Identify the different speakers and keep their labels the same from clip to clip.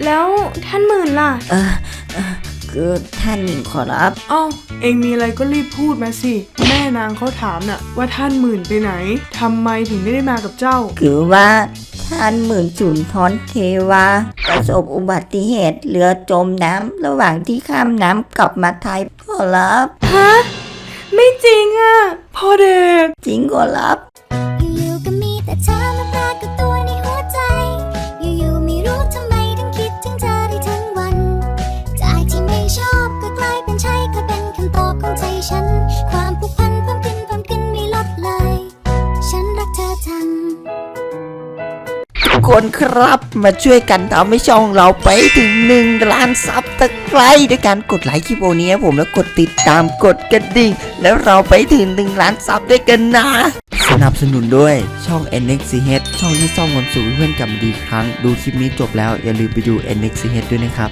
Speaker 1: แล้วท่านหมื่นล่ะ
Speaker 2: คือท่านหญิงขอรับ
Speaker 1: อ้าวเองมีอะไรก็รีบพูดมาสิแม่นางเขาถามน่ะว่าท่านหมื่นไปไหนทำไมถึงไม่ได้มากับเจ้า
Speaker 2: คือว่าท่านหมื่นสุนทรเทวาประสบอุบัติเหตุเรือจมน้ำระหว่างที่ข้ามน้ำกลับมาไทยขอรับ
Speaker 1: ฮะไม่จริงอ่ะพ่อเด็ก
Speaker 2: จริงขอรับ
Speaker 3: อยู่ๆก็มีแต่เธอมาปรากฏตัวในหัวใจอยู่ๆไม่รู้ทำไมถึงคิดถึงเธอได้ทั้งวันจากที่ไม่ชอบก็กลายเป็นใช่ก็เป็นคำตอบของใจฉันความผูกพันเพิ่มขึ้นไม่ลดเลยฉันรักเธอจัง
Speaker 2: ทุกคนครับมาช่วยกันทำให้ช่องเราไปถึง1 ล้านซับตะไคร้ด้วยการกดไลค์คลิปนี้ผมแล้วกดติดตามกดกระดิ่งแล้วเราไปถึง1 ล้านซับด้วยกันนะสนับสนุนด้วยช่อง NXCH ช่องที่ซ่อมความสุขเพื่อนกับดีครั้งดูคลิปนี้จบแล้วอย่าลืมไปดู NXCH ด้วยนะครับ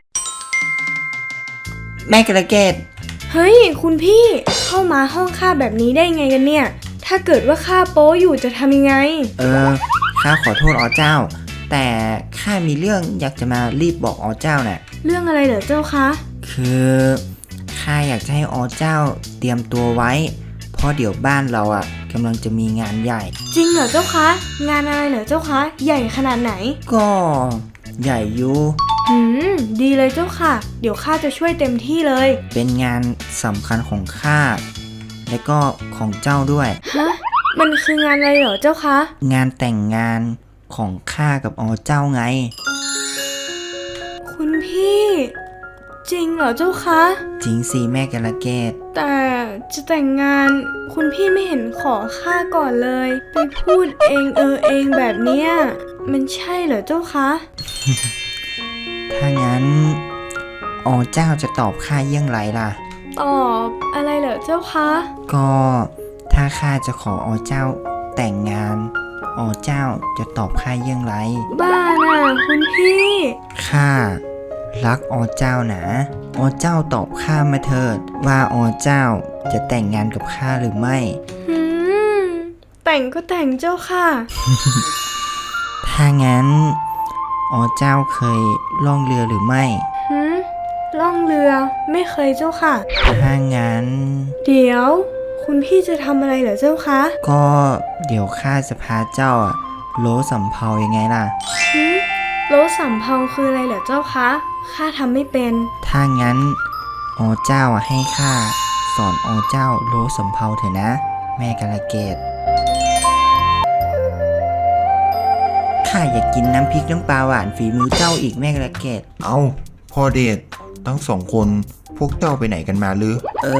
Speaker 2: แม่กระเกต
Speaker 1: เฮ้ยคุณพี่เข้ามาห้องข้าแบบนี้ได้ไงกันเนี่ยถ้าเกิดว่าข้าโป๊อยู่จะทำยังไง
Speaker 2: ข้าขอโทษอ๋อเจ้าแต่ข้ามีเรื่องอยากจะมารีบบอกอ๋อเจ้าน่ะ
Speaker 1: เรื่องอะไรเหรอเจ้าคะ
Speaker 2: คือข้าอยากจะให้อ๋อเจ้าเตรียมตัวไว้เพราะเดี๋ยวบ้านเรากำลังจะมีงานใหญ่
Speaker 1: จริงเหรอเจ้าคะงานอะไรเหรอเจ้าคะใหญ่ขนาดไหน
Speaker 2: ก็ใหญ่อยู่
Speaker 1: ดีเลยเจ้าค่ะเดี๋ยวข้าจะช่วยเต็มที่เลย
Speaker 2: เป็นงานสำคัญของข้าและก็ของเจ้าด้วย
Speaker 1: ฮะมันคืองานอะไรเหรอเจ้าคะ
Speaker 2: งานแต่งงานของข้ากับอ๋อเจ้าไง
Speaker 1: คุณพี่จริงเหรอเจ้าคะ
Speaker 2: จริงสิแม่กระเกต
Speaker 1: แต่จะแต่งงานคุณพี่ไม่เห็นขอข้าก่อนเลยไปพูดเองเองแบบเนี้ยมันใช่เหรอเจ้าคะ
Speaker 2: ถ้างั้นอ๋อเจ้าจะตอบข้าอย่างไรล่ะ
Speaker 1: ตอบอะไรเหรอเจ้าคะ
Speaker 2: ก็ถ้าข้าจะขออ๋อเจ้าแต่งงานอ๋อเจ้าจะตอบข้าอย่างไร
Speaker 1: บ้าน่ะคุณพี่
Speaker 2: ข้ารักอ๋อเจ้านะอ๋อเจ้าตอบข้ามาเถิดว่าอ๋อเจ้าจะแต่งงานกับข้าหรือไม่
Speaker 1: แต่งก็แต่งเจ้าค่ะ
Speaker 2: ถ้างั้นอ๋อเจ้าเคยล่องเรือหรือไม่
Speaker 1: ล่องเรือไม่เคยเจ้าค่ะ
Speaker 2: ถ้างั้น
Speaker 1: เดี๋ยวคุณพี่จะทำอะไรเหรอเจ้าคะ
Speaker 2: ก็เดี๋ยวข้าจะพาเจ้าโลสำเภายังไงล่ะ
Speaker 1: โลสำเภาคืออะไรเหรอเจ้าคะข้าทำไม่เป็น
Speaker 2: ถ้างั้นอ๋อเจ้าให้ข้าสอนอ๋อเจ้าโลสำเภาเถอะนะแม่กาลเกตข้าอยากกินน้ำพริกน้ำปลาหวานฝีมือเจ้าอีกแม่กาลเกต
Speaker 4: เอาพ่อเดชทั้งสองคนพวกเจ้าไปไหนกันมาหรือ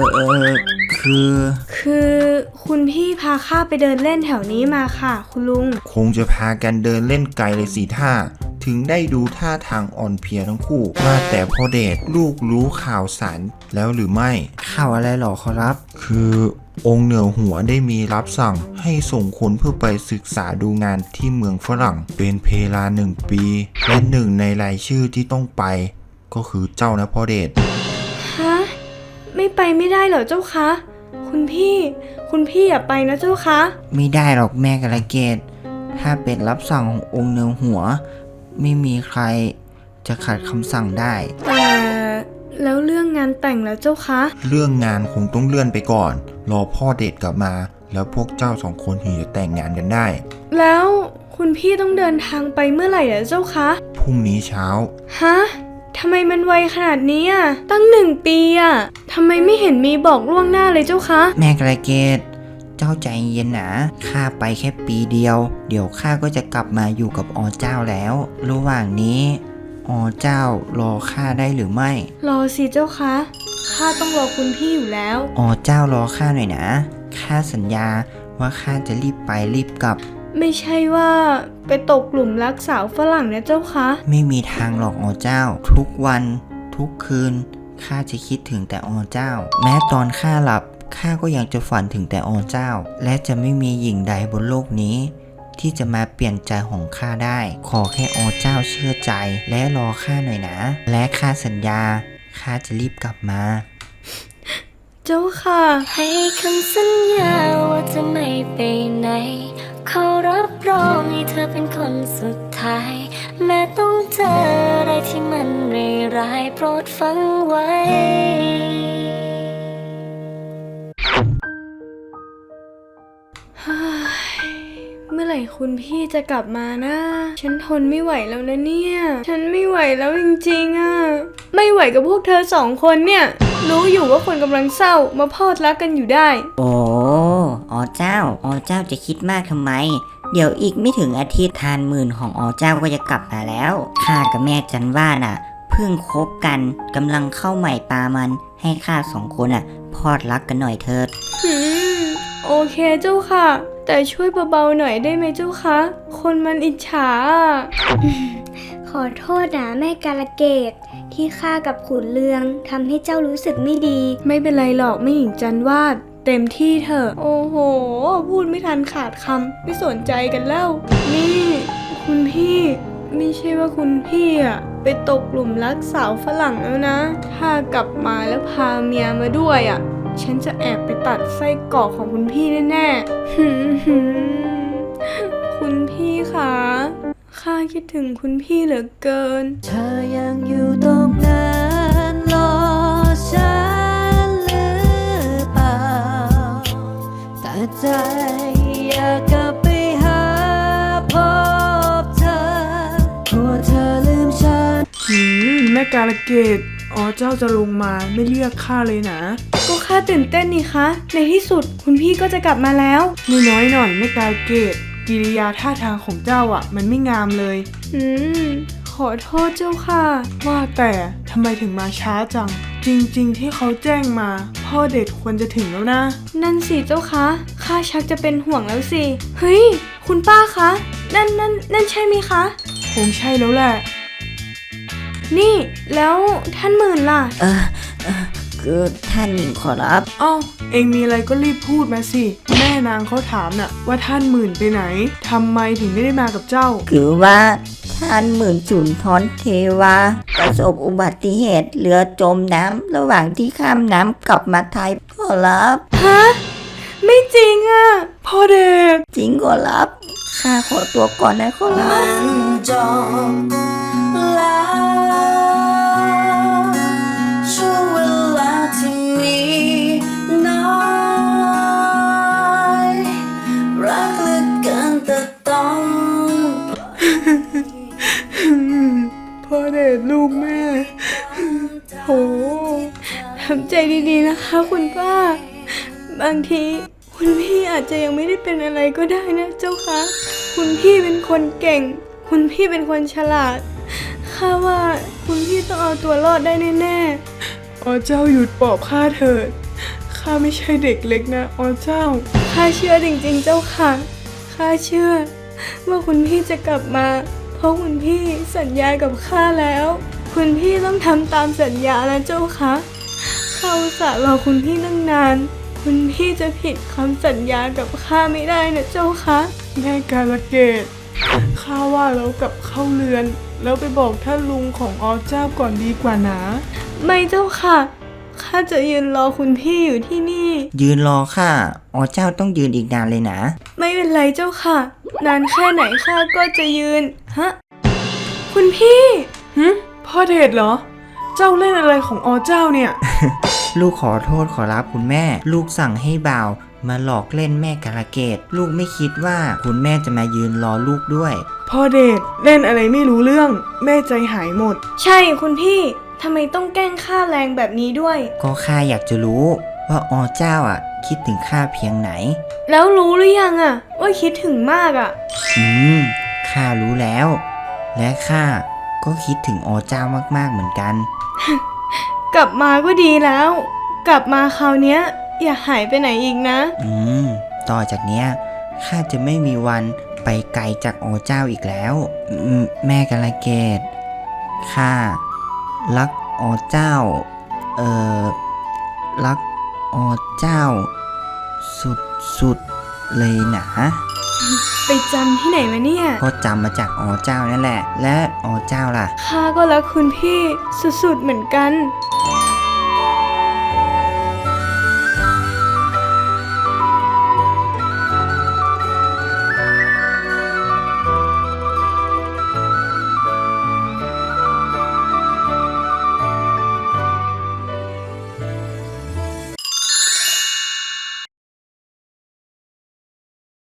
Speaker 1: คือคุณพี่พาข้าไปเดินเล่นแถวนี้มาค่ะคุณลุง
Speaker 4: คงจะพากันเดินเล่นไกลเลยสิท่าถึงได้ดูท่าทางอ่อนเพลียทั้งคู่ว่าแต่พ่อเดชลูกรู้ข่าวสารแล้วหรือไม่
Speaker 2: ข่าวอะไรหรอขอรับ
Speaker 4: คือองค์เหนือหัวได้มีรับสั่งให้ส่งคนเพื่อไปศึกษาดูงานที่เมืองฝรั่งเป็นเวลา1 ปีและหนึ่งในรายชื่อที่ต้องไปก็คือเจ้านะพ่อเดช
Speaker 1: ฮะไม่ไปไม่ได้เหรอเจ้าคะคุณพี่อย่าไปนะเจ้าคะ
Speaker 2: ไม่ได้หรอกแม่กระเกตถ้าเป็นรับสั่งขององค์เหนือหัวไม่มีใครจะขัดคำสั่งได้
Speaker 1: แต่แล้วเรื่องงานแต่งแล้วเจ้าคะ
Speaker 4: เรื่องงานคงต้องเลื่อนไปก่อนรอพ่อเดชกลับมาแล้วพวกเจ้า2 คนถึงจะแต่งงานกันได้
Speaker 1: แล้วคุณพี่ต้องเดินทางไปเมื่อไหร่เหรอเจ้าคะ
Speaker 4: พรุ่งนี้เช้า
Speaker 1: ฮะทำไมมันไวขนาดนี้ตั้ง1 ปีทำไมไม่เห็นมีบอกล่วงหน้าเลยเจ้าคะ
Speaker 2: แม่กระเกตเจ้าใจเย็นนะข้าไปแค่ปีเดียวเดี๋ยวข้าก็จะกลับมาอยู่กับอ๋อเจ้าแล้วระหว่างนี้อ๋อเจ้ารอข้าได้หรือไม่
Speaker 1: รอสิเจ้าคะข้าต้องรอคุณพี่อยู่แล้ว
Speaker 2: อ๋อเจ้ารอข้าหน่อยนะข้าสัญญาว่าข้าจะรีบไปรีบกลับ
Speaker 1: ไม่ใช่ว่าไปตกหลุมรักสาวฝรั่งนะเจ้าคะ
Speaker 2: ไม่มีทางหรอกอ๋อเจ้าทุกวันทุกคืนข้าจะคิดถึงแต่อ๋อเจ้าแม้ตอนข้าหลับข้าก็ยังจะฝันถึงแต่อ๋อเจ้าและจะไม่มีหญิงใดบนโลกนี้ที่จะมาเปลี่ยนใจของข้าได้ขอแค่อ๋อเจ้าเชื่อใจและรอข้าหน่อยนะและข้าสัญญาข้าจะรีบกลับมา
Speaker 1: เจ้าค่ะ
Speaker 3: ให้คำสัญญาว่าจะไม่ไปไหนเขารับรองให้เธอเป็นคนสุดท้ายแม้ต้องเจออะไรที่มันโปรดฟังไว้
Speaker 1: เมื่อไหร่คุณพี่จะกลับมานะ ฉันทนไม่ไหวแล้วนะเนี่ย ฉันไม่ไหวแล้วจริงๆอ่ะ ไม่ไหวกับพวกเธอสองคนเนี่ย รู้อยู่ว่าคนกำลังเศร้ามาพอดรักกันอยู่ได้
Speaker 5: โอ้เจ้าจะคิดมากทำไม เดี๋ยวอีกไม่ถึงอาทิตย์ทานหมื่นของเจ้าก็จะกลับมาแล้วข้ากับแม่จันว่าน่ะเพิ่งคบกันกำลังเข้าใหม่ปลามันให้ข้า2 คนพอดรักกันหน่อยเถิด
Speaker 1: โอเคเจ้าค่ะ แต่ช่วยเบาๆหน่อยได้ไหมเจ้าคะ คนมันอิจฉาอะ
Speaker 3: ขอโทษนะแม่กาลเกตที่ข้ากับขุนเลืองทำให้เจ้ารู้สึกไม่ดี
Speaker 1: ไม่เป็นไรหรอกไม่หญิงจันวาด เต็มที่เถอะ โอ้โห พูดไม่ทันขาดคำไม่สนใจกันแล้ว นี่ คุณพี่ ไม่ใช่ว่าคุณพี่อะไปตกหลุมรักสาวฝรั่งแล้วนะ ถ้ากลับมาแล้วพาเมียมาด้วยอะฉันจะแอบไปตัดไส้กรอกของคุณพี่แน่ๆ คุณพี่คะข้าคิดถึงคุณพี่เหลือเกิน
Speaker 6: เธอยังอยู่ตรงนั้นรอฉันหรือเปล่าแต่ใจอยากกลับไปหาพบเธอกลัวเธอลืมฉัน
Speaker 7: แม่กาลเกตเจ้าจะลงมาไม่เรียกข้าเลยนะ
Speaker 1: ก็ข้าตื่นเต้นนี่คะ ในที่สุดคุณพี่ก็จะกลับมาแล้ว
Speaker 7: น้อยหน่อยแม่กาลเกตกิริยาท่าทางของเจ้ามันไม่งามเลย
Speaker 1: ขอโทษเจ้าค่ะ
Speaker 7: ว่าแต่ทำไมถึงมาช้าจัง จริงๆที่เขาแจ้งมาพ่อเด็ดควรจะถึงแล้วนะ
Speaker 1: นั่นสิเจ้าคะข้าชักจะเป็นห่วงแล้วสิ เฮ้ย คุณป้าคะ นั่นใช่ไหมคะ
Speaker 7: คงใช่แล้วแหละ
Speaker 1: นี่ แล้วท่านหมื่นล่ะ
Speaker 5: คือท่านหญิงขอรับ
Speaker 7: เองมีอะไรก็รีบพูดมาสิ แม่นางเขาถามน่ะว่าท่านหมื่นไปไหนทำไมถึงไม่ได้มากับเจ้า
Speaker 5: คือว่าท่านหมื่นสุนทรเทวาประสบอุบัติเหตุเรือจมน้ำระหว่างที่ข้ามน้ำกลับมาไทยขอรับ
Speaker 1: ฮะ ไม่จริงอะ
Speaker 7: พ่อเด็ก
Speaker 5: จริงขอรับข้าขอตัวก่อนนะขอรับ
Speaker 6: จบแล้วช่วงเวลาที่มีน้อยรักเหลือเกินแต่ต้อง
Speaker 7: พ่อเด็กลูกแม่
Speaker 1: โหทำใจดีๆนะคะคุณป้า บางทีคุณพี่อาจจะยังไม่ได้เป็นอะไรก็ได้นะเจ้าคะคุณพี่เป็นคนเก่ง คุณพี่เป็นคนฉลาดข้าว่าคุณพี่ต้องเอาตัวรอดได้แน่ๆ
Speaker 7: เจ้าหยุดปอบข้าเถิด ข้าไม่ใช่เด็กเล็กนะเจ้า
Speaker 1: ข้าเชื่อจริงๆเจ้าค่ะ ข้าเชื่อว่าคุณพี่จะกลับมา เพราะคุณพี่สัญญากับข้าแล้ว คุณพี่ต้องทำตามสัญญานะเจ้าค่ะข้าอุตส่าห์รอคุณพี่ตั้งนาน คุณพี่จะผิดคำสัญญากับข้าไม่ได้นะเจ้าค่ะ
Speaker 7: แม่กาลเกตข้าว่าเรากลับเข้าเรือน แล้วไปบอกท่านลุงของเจ้าก่อนดีกว่านะ
Speaker 1: ไม่เจ้าค่ะ ข้าจะยืนรอคุณพี่อยู่ที่นี่
Speaker 2: ยืนรอข้าเจ้าต้องยืนอีกนานเลยนะ
Speaker 1: ไม่เป็นไรเจ้าค่ะ นานแค่ไหนข้าก็จะยืน ฮะ คุณพี่
Speaker 7: พ่อเดชเหรอ เจ้าเล่นอะไรของเจ้าเนี่ย
Speaker 2: ลูกขอโทษขอรับคุณแม่ ลูกสั่งให้บ่าวมาหลอกเล่นแม่กาลเกต ลูกไม่คิดว่าคุณแม่จะมายืนรอลูกด้วย
Speaker 7: พ่อเดชเล่นอะไรไม่รู้เรื่อง แม่ใจหายหมด
Speaker 1: ใช่คุณพี่ ทำไมต้องแกล้งข้าแรงแบบนี้ด้วย
Speaker 2: ก็ข้าอยากจะรู้ว่าเจ้าคิดถึงข้าเพียงไหน
Speaker 1: แล้วรู้หรือยังว่าคิดถึงมาก
Speaker 2: ข้ารู้แล้ว และข้าก็คิดถึงเจ้ามากๆเหมือนกัน
Speaker 1: กลับมาก็ดีแล้ว กลับมาคราวเนี้ย อย่าหายไปไหนอีกนะ
Speaker 2: ต่อจากเนี้ยข้าจะไม่มีวันไปไกลจากเจ้าอีกแล้ว แม่กาลเกตข้ารักเจ้า รักเจ้า สุดๆเลยนะ
Speaker 1: ไปจำที่ไหนมาเนี่ย
Speaker 2: ก็จำมาจากเจ้านั่นแหละ และเจ้าล่ะ
Speaker 1: ข้าก็รักคุณพี่สุดๆเหมือนกัน